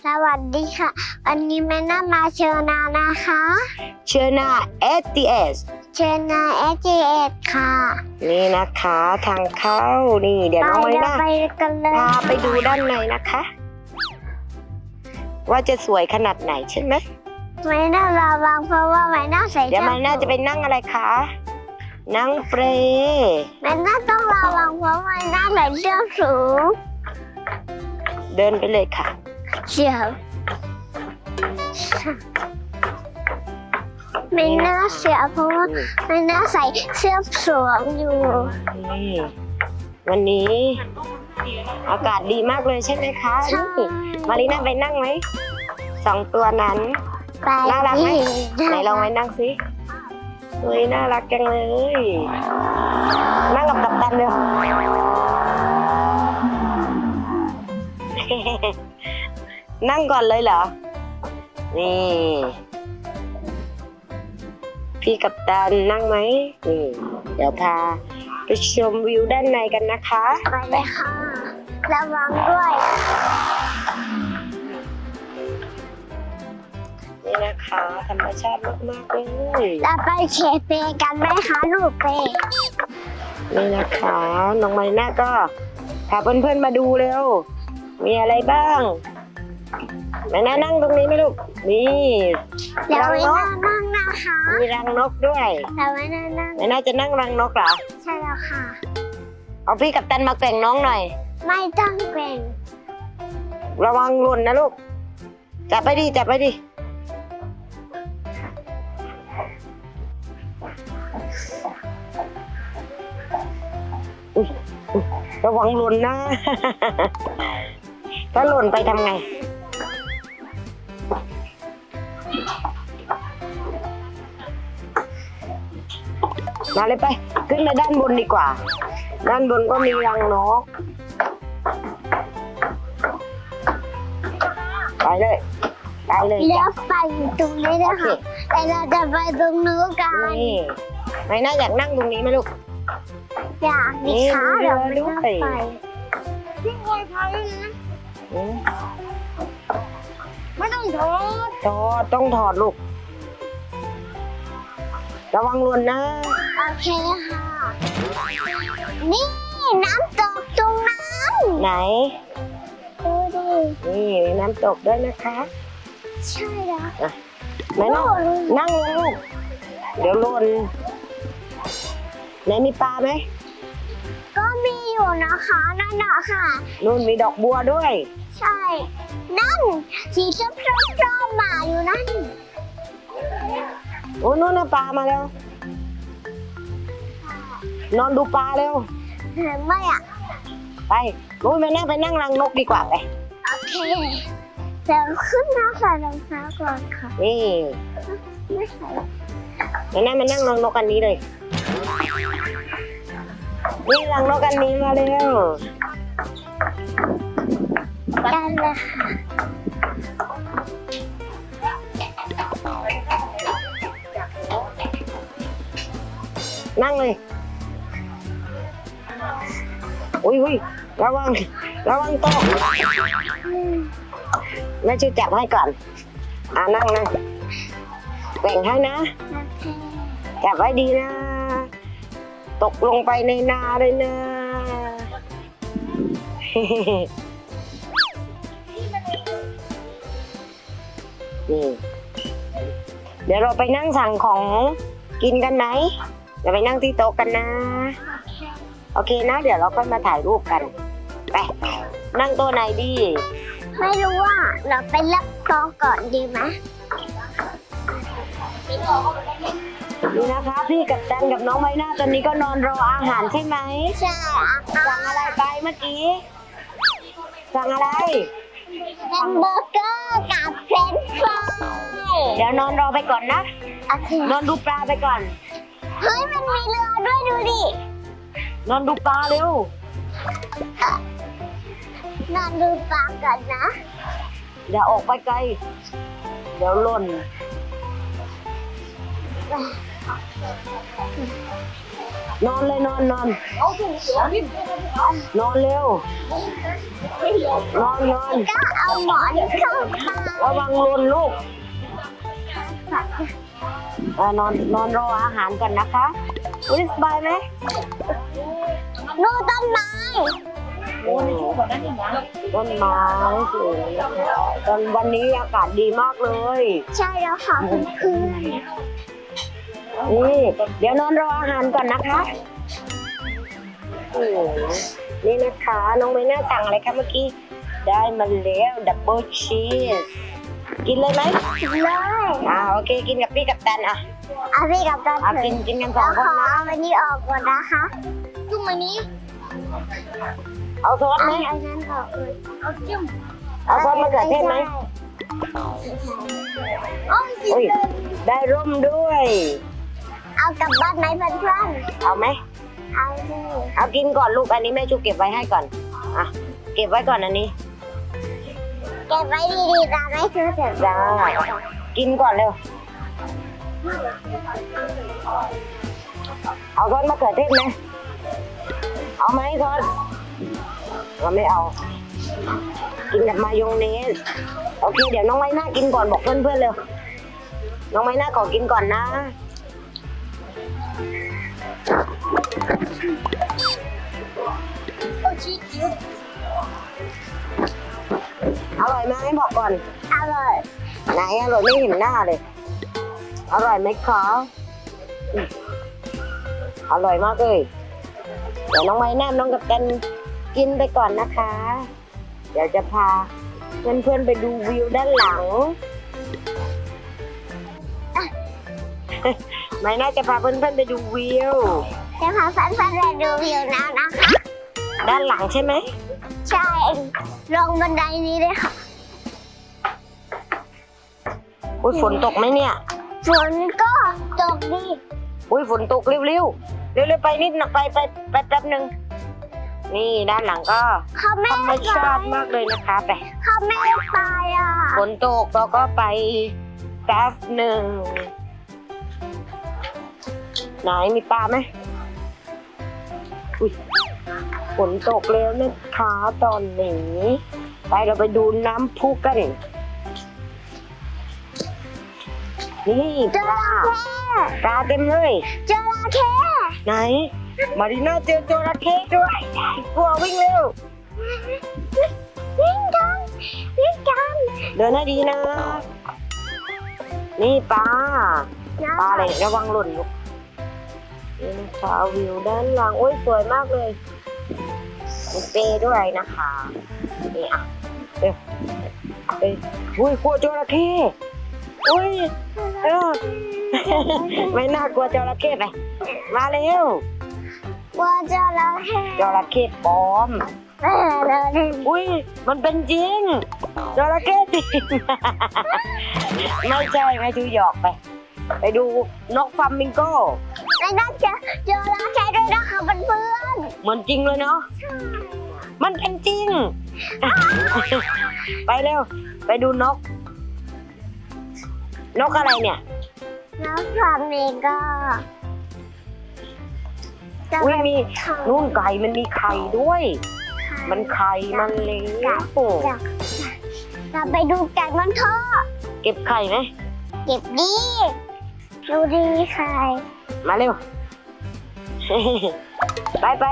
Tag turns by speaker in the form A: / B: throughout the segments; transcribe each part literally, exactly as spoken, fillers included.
A: สวัสดีค่ะวันนี้แม่น่ามาเชิญนานะคะ
B: เชิญนา เอ ที เอส
A: เชิญนา เอ ที เอส ค่ะ
B: นี่นะคะทางเข้านี่เดี๋ยวน้องไว้นะ
A: ไปกันเลย
B: พาไปดูด้านในนะคะ ว่าจะสวยขนาดไหนใช่ไหม
A: แม่น่าระวังเพราะว่าแม่น่าใส่
B: เดี๋ยวมันน่าจะไปนั่งอะไรคะนั่งเปรย์
A: แม่น่าต้องระวังเพราะแม่น่าใส่เสื้อสูง
B: เดินไปเลยค่ะ
A: เชียวไม่น่าเสียเพราะว่าไม่น่าใส่เสื้อสวมอยู่
B: นี่วันนี้อากาศดีมากเลยใช่ไหมคะ
A: ใช่
B: มารีน่าไปนั่งไหมสองตัวนั้นน่ารักไหมไหนลองไปนั่งสิเฮ้ยน่ารักจังเลยนั่งกับกัปตันเลยนั่งก่อนเลยเหรอนี่พี่กัปตันนั่งไหมนี่เดี๋ยวพาไปชมวิวด้านในกันนะคะ
A: ไปเลยค่ะระวังด้วย
B: นี่นะคะธรรมชาติมากๆเลย
A: เราไปเชฟเปกันไหมคะลูกเป
B: นี่นะคะน้องมารีน่าก็พาเพื่อนๆมาดูเร็วมีอะไรบ้างแม่น่านั่งตรงนี้ไหมลูกนี่
A: รังนกนั่งนะคะ
B: มีรังนกด้วย
A: แต่แม่น่านั่ง
B: แม่น่าจะนั่งรังนกเหรอ
A: ใช่แล้วค่ะ
B: เอาพี่กัปตันมาแกว่งน้องหน่อย
A: ไม่ต้องแกว่ง
B: ระวังหล่นนะลูกจับไปดิจับไปดิอุ๊ยอุ๊ยระวังหล่นนะ ถ้าหล่นไปทำไงมาเลยไปขึ้นไปด้านบนดีกว่าด้านบนก็มีรังนกไปเลยไปเลย
A: เลี้ยวไปตรงนี้นะคะแต่เราจะไปตรงนู้นกัน
B: นี่ไม่น่าอยากนั่งตรงนี้ไหมลูก
A: อยากมีขาเดี๋ยวไม่ต้องไปนี่ไงพายนะไม่ต้องถอด
B: ถอดต้องถอดลูกระวังหล่นนะ
A: โอเคค่ะนี่น้ำตกตรงนั้น
B: ไหน
A: ดูดิ
B: นี่มีน้ำตกด้วยนะคะ
A: ใช่แล้ว
B: แม่นั่งนั่งลงลูกเดี๋ยวหล่นไหนมีปลาไหม
A: ก็มีอยู่นะคะนั่นน่ะค่ะ
B: นู่นมีดอกบัวด้วย
A: ใช่นั่นสีส้มๆๆมาอยู่นั่น
B: โอ้นู่นน่ะปลามาแล้วนอนดูปลาเร็ว
A: เห็นไหมอ่ะ
B: ไปรู้ไหมนั่งไปนั่งรังนกดีกว่าไป
A: โอเคเดี๋ยวขึ้นมาใส่รองเท้าก่อนค่ะ
B: นี่
A: ไม่ใส่
B: แล้วนั่งมานั่งรังนกอันนี้เลยนี่รังนกอันนี้มาเร็ว
A: กันเลยค่ะ
B: นั่งเลยอุ้ยอุ้ยระวังระวังโต๊ะแม่ช่วยจับให้ก่อนอ่านั่งนะแบ่งให้นะจับไว้ดีนะตกลงไปในนาเลยนะนี่เดี๋ยวเราไปนั่งสั่งของกินกันไหมเดี๋ยวไปนั่งที่โต๊ะกันนะโอเคนะเดี๋ยวเราก็มาถ่ายรูปกันไปนั่งโต๊ะไหนดี
A: ไม่รู้ว่าเราไปรับโต๊ะก่อนดีไหม
B: นี่นะคะพี่กับจันกับน้องไม้หน้าตอนนี้ก็นอนรออาหารใช่ไหม
A: ใช่
B: สั่งอะไรไปเมื่อกี้สั่งอะไร
A: แฮมเบอร์เกอร์กับเฟรนช์ฟราย
B: เดี๋ยวนอนรอไปก่อนนะ
A: โอเคน
B: อนดูปลาไปก่อน
A: เฮ้ยมันมีเรือด้วยดูดิ
B: นอนดูปลาเร็
A: นอนดูปลาก่อนนะ
B: อย่าออกไปไกลเดี๋ยวหล่นนอนเลยนอนนอนนอนเร็ว นอนนอน
A: ก็เอาหมอนเข้ามา
B: ระวังหล่นลูกเออนอนนอนรออาหารก่อนนะคะอุ้ยสบายไหม
A: ดูต้นไม้
B: โอ้ต้นไม้สวยนะคะตอนวันนี้อากาศดีมากเลย
A: ใช่แล้วค่ะเพื่อน
B: นี่เดี๋ยวนอนรออาหารก่อนนะคะโอ้โหนี่นะคะน้องไม่น่าสั่งอะไรคะเมื่อกี้ได้มาแล้วดับเบิลชีสกินเลยไหม
A: ๆเลย
B: อ่าโอเคกินกับพี่กับตันอ่ะ
A: เอาพี่กับตา
B: อ่ะ
A: เถ
B: กิน
A: อะ
B: กินกันส
A: แล้
B: อ
A: ว
B: ง
A: ข
B: คน
A: อ
B: นะ
A: เอาอันนี้ออกก่อนนะคะจุ่มอันนี้
B: เอาซอส
A: เอา
B: ไหม
A: อันนั้นออกเลยเอาจุ่ม
B: เอาซอสมะเขือเทศไหม
A: โอ้ยสิ
B: อุ้ยได้ร่มด้วย
A: เอากลับบ้านไหมเพื่อน
B: เอาไหม
A: ๆเอาสิ
B: เอากินก่อนลูกอันนี้แม่ชูเก็บไว้ให้ก่อนอ่ะเก็บไว้ก่อนอันนี้
A: เก็บไว้ดีๆนะไม่เธอเจ็บ
B: จ้ากินก่อนเร็วเอาซอสมะเขือเทศไหมเอาไหมซอสเราไม่เอา กินกับมายองเนสโอเคเดี๋ยวน้องไม้หน้ากินก่อนบอกเพื่อนๆเร็วน้องไม้หน้าขอกินก่อนนะ
A: โอ้ชีส
B: อร่อยไหมบอกก่อน
A: อร่อย
B: ไหนอร่อยไม่เห็นหน้าเลย อร่อยไหมคะอืมอร่อยมากเลยเดี๋ยวน้องไม้แนมน้องกับกันกินไปก่อนนะคะ เดี๋ยวจะพาเพื่อนๆไปดูวิวด้านหลัง ไม่น่าจะพาเพื่อนๆไปดูวิว
A: จะพาแฟนๆไปดูวิวน้ำนะคะ
B: ด้านหลังใช่ไหม
A: ใช่ลงบันไดนี้เลยค่ะ
B: อุ้ยฝนตกไหมเนี่ย
A: ฝนก็ตกดี
B: อุ้ยฝนตกเร็วๆเร็วๆไปนิดหน่อยไปไปไปแป๊บหนึ่งนี่ด้านหลังก็
A: เขาไม่
B: ธรรม
A: ไป
B: ชาติมากเลยนะคะไป
A: เขาไม่ไปอ่ะ
B: ฝนตกเราก็ไปแป๊บหนึ่งไหนมีปลาไหมอุ้ยฝนตกแล้วนะคะตอนนี้ไปเราไปดูน้ำพุกันนี่ป
A: จ
B: ลา
A: ระเข้
B: ปลาเต็มเลย
A: จระเข้
B: ไหน มารีน่าเจอจระเข้ด้วยกลัววิ่งเร็ว
A: วิ่งกันวิ่งกัน
B: เดินให้ดีนะ นี่ปลา ปลาอะไรเนี่ยระวังหล่นลูกนี่นะคะวิวด้านหลังโอ้ยสวยมากเลยมีเปด้วยนะคะ นี่อ่ะเร็วเอ้ยอุ้ยกลัวจระเข้อุ้ยเออ ไม่น่ากลัวจระเข้ไปมาเร็ว
A: ว่าจระเข้
B: จระเข้ปลอม
A: เออเลย
B: อุ้ยมันเป็นจริงจระเข้จริง ไม่ใช่ไม่ดูหยอกไป ไปดูนกฟลามิงโก้
A: ไม่น่าจะจระเข้ด้วยนะคะเพื่อน
B: เหมือนจริงเลยเนาะมันเป็นจริง ไปเร็ว ไปดูนก นกอะไรเนี่ย
A: ๆน้ำฟาร์มเองก็จะ
B: อุ้ย
A: เป็น
B: มี
A: ไข่
B: นู่นไก่มันมีไข่ด้วย มันไข่มันเลี้ยงโอ้
A: จะจะไปดูไก่มันทอด
B: เก็บไข่ไหม
A: เก็บดีดูดีไข่
B: มาเร็ว ไปไป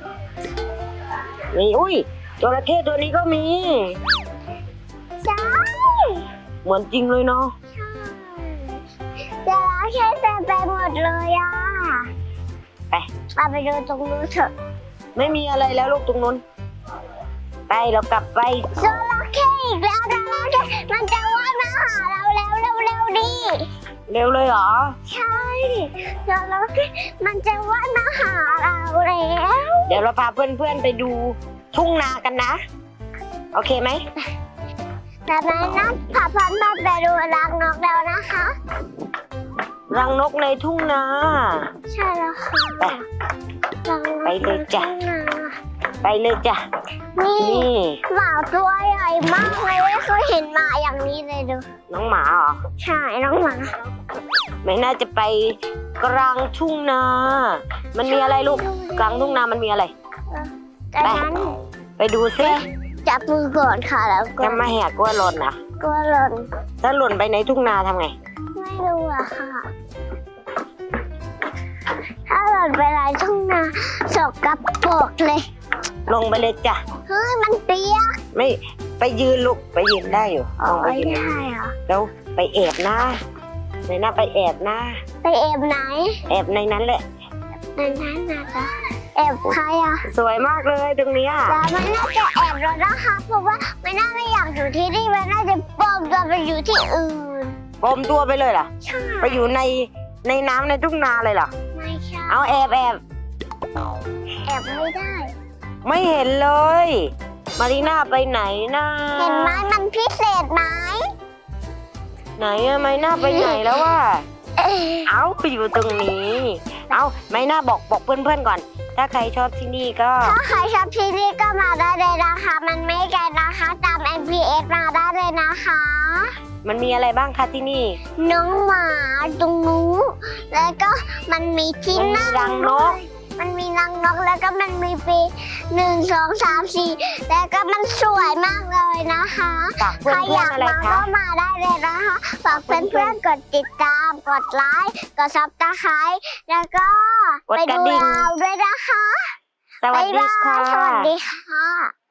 B: นี่อุ้ยจระเข้ตัวนี้ก็มี
A: ใช่
B: เหมือนจริงเลยเนาะ
A: จระเข้เต็มไปหมดเลยอ่ะ
B: ไป
A: เราไปดูตรงนู้นเถอะ
B: ไม่มีอะไรแล้วลูกตรงนู้น ไปเรากลับไป
A: จระเข้อีกแล้วจระเข้มันจะว่ายมาหาเราแล้วเร็วๆดิ
B: เร็วเลยเหรอ
A: ใช่จระเข้มันจะว่ายมาหาเราแล้ว
B: เดี๋ยวเราพาเพื่อนๆไปดูทุ่งนากันนะ โอเคไหม
A: แต่แม่นัดพาพันมาไปดูรังนกแล้วนะคะ
B: รังนกในทุ่งนา
A: ใช่แล้วค่ะ
B: ไป
A: รังนก
B: ไปเลยจ้ะ
A: ในทุ่งนา
B: ไปเลยจ้ะ
A: นี่
B: นี่
A: หมาตัวใหญ่มากเลยไม่เคยเห็นหมาอย่างนี้เลยดู
B: น้องหมาเหรอ
A: ใช่น้องหมา
B: ไม่น่าจะไปกลางทุ่งนา มันมีอะไรลูก กลางทุ่งนามันมีอะไร
A: จากนั้น
B: ไปดูซิ
A: จับมือก่อนค่ะแล้วก็
B: จะมาแหกกล้วยหล่นนะ
A: กลัวหล่น
B: ถ้าหล่นไปในทุ่งนาทำไง
A: ไม่รู้อะค่ะ ถ้าหล่นไปในทุ่งนาสกปรกเลย
B: ลงไปเลยจ้ะ
A: เฮ้ยมันเปียก
B: ไม่ไปยืนลูกไปยืนได้อยู่ลองไป
A: ไม่
B: ยืน
A: ได้เหรอ
B: แล้วไปแอบนะในหน้าไปแอบนะ
A: ไปแอบไหน
B: แอบในนั้นแหละ
A: ในนั้นนะจ๊ะแอบใครอะ
B: สวยมากเลยตรงเนี้ย
A: แต่มันน่าจะแอบแล้วนะคะเพราะว่ามันน่าไม่อยากอยู่ที่นี่มันน่าจะปลอมตัวไปอยู่ที่อื่น
B: ปลอมตัวไปเลยเหรอ
A: ใช่
B: ไปอยู่ในในน้ำในทุ่งนาเลยเหรอ
A: ไม่ใช่
B: เอาแอบแอบ
A: แอบไม่ได้
B: ไม่เห็นเลย มารีน่าไปไหนนะ
A: เห็นไหมมันพิเศษไหม
B: ไหนอะมารีน่าไปไหนแล้ววะ
A: เอ๊ะ
B: เอาอยู่ตรงนี้ เอามารีน่าบอกบอกเพื่อนๆก่อน ถ้าใครชอบที่นี่ก็
A: ถ้าใครชอบที่นี่ก็มาได้เลยนะคะ มันไม่ไกลนะคะตาม เอ็ม พี เอส มาได้เลยนะคะ
B: มันมีอะไรบ้างคะที่นี่
A: น้องหมาตรงนู้นแล้วก็มันมีที่
B: มันมี
A: นั่ง
B: รังนก
A: มันมีรังนกแล้วก็มันมีปีหนึ่งสองสามสี่แล้วก็มันสวยมากเลยนะคะ
B: ฝากเพื่
A: ใคร
B: อน
A: อยาก
B: ๆอะไร
A: มา
B: คะ
A: ก็มาได้เลยนะคะฝากเพื่อนๆกดติดตามกดไลค์กดซับสไครต์แล้วก็
B: กด
A: ไป
B: กระ
A: ดู
B: ดิ่ง
A: เราด้วยนะคะ
B: สวัสดี
A: บ๊ายบาย
B: ค่ะ
A: สวัสดีค่ะ